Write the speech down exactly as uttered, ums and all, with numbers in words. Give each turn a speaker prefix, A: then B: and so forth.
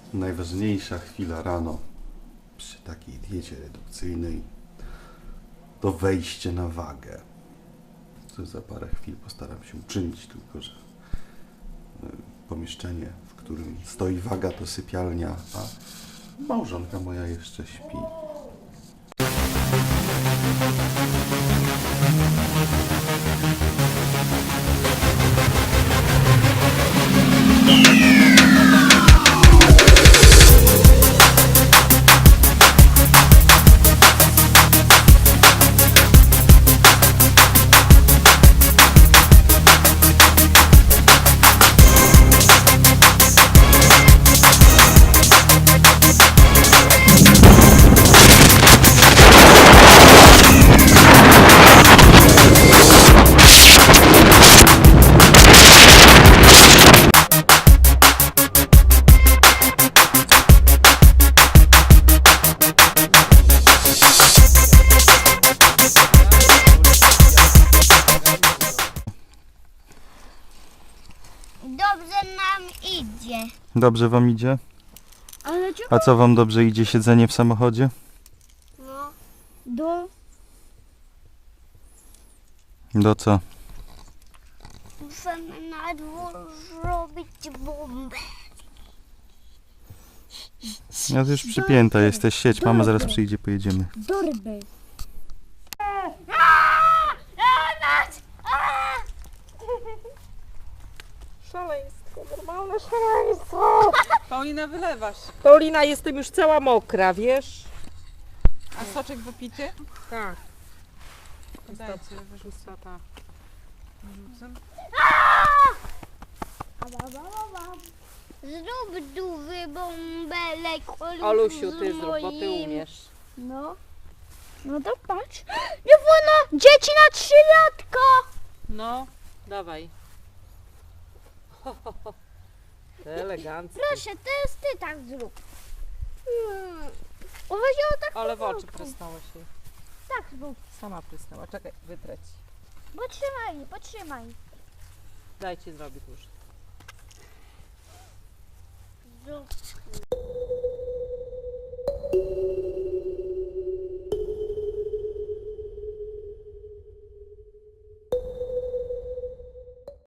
A: Najważniejsza chwila rano przy takiej diecie redukcyjnej to wejście na wagę. Co za parę chwil postaram się uczynić, tylko że pomieszczenie, w którym stoi waga, to sypialnia, a małżonka moja jeszcze śpi.
B: Dobrze nam idzie.
A: Dobrze wam idzie?
B: Ale czemu?
A: A co wam dobrze idzie? Siedzenie w samochodzie?
B: No. Do...
A: Do co?
B: Musimy na dwór zrobić bombę.
A: Ja już przypięta jesteś, siedź, mama zaraz przyjdzie, pojedziemy.
B: Dorby.
C: Szaleństwo, normalne szaleństwo.
D: Paulina, wylewasz.
C: Paulina, jestem już cała mokra, wiesz?
D: A soczek wypity?
C: Tak.
D: Dajcie, wyrzucę ta. Wyrzucę.
B: Zrób duży bąbelek.
C: Olusiu, ty
B: z
C: zrób, bo ty
B: moim.
C: umiesz.
B: No. No to patrz. Nie wolno! Dzieci na trzylatka!
C: No, dawaj. Elegancko.
B: Proszę, teraz ty tak zrób. Hmm. Uważaj o tak
C: Ale w oczy
B: powolutku.
C: prysnęło się.
B: Tak zrób.
C: Sama prysnęła. Czekaj, wytreć.
B: Potrzymaj, potrzymaj.
C: Daj ci zrobić już.
B: Zrób.